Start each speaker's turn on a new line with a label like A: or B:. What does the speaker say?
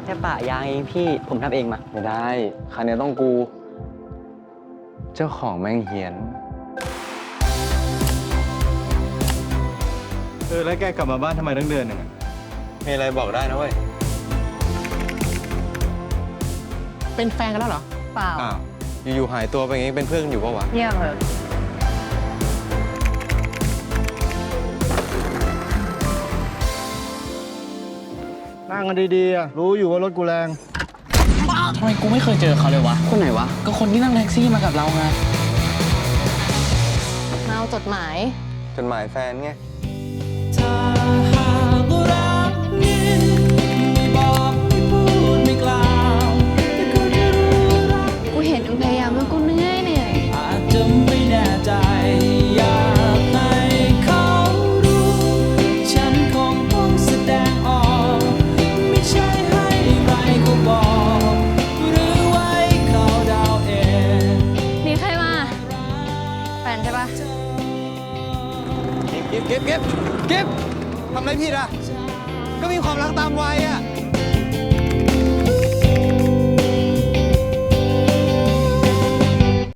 A: แค่ปะยางเองพี่ผมทำเองมา
B: ไม่ได้คันนี้ต้องกู เจ้าของแม่งเฮียน
C: แล้วแกกลับมาบ้านทำไมตั้งเดือนหนึ่งอะ
B: มีอะไรบอกได้นะเว้ย
D: เป็นแฟนกันแล้วเหรอ
E: เปล่า
B: อ้าว อยู่ๆหายตัวไปอย่างงี้เป็นเพื่อนกันอยู่ปะวะ
E: เยี่ยมเลย
C: นั่งกันดีๆอะรู้อยู่ว่ารถกูแรง
D: ทำไมกูไม่เคยเจอเขาเลยวะ
A: คนไหนวะ
D: ก็คนที่นั่งแท็กซี่มากับเราไง
E: มาเอาจดหมาย
B: จดหมายแฟนไง
F: ถ้าหากรักนี้ไม่บอกไม่พูดไม่กล่าวแต่ก็จะรู้รัก
E: กูเห็นมึงพยายามแล้วกูเหนื่อย
F: อาจจะไม่แน่ใจอยากให้เขารู้ ฉันคงต้องแสดงออก ไม่ใช่ให้ใครเขาบอก หรือไว้เขาเดาเอง
E: มีใครมา แฟนใช่ปะ
B: เก็บทำอะไรผิดอ่ะ ก็มีความรักตามวัยอ่ะ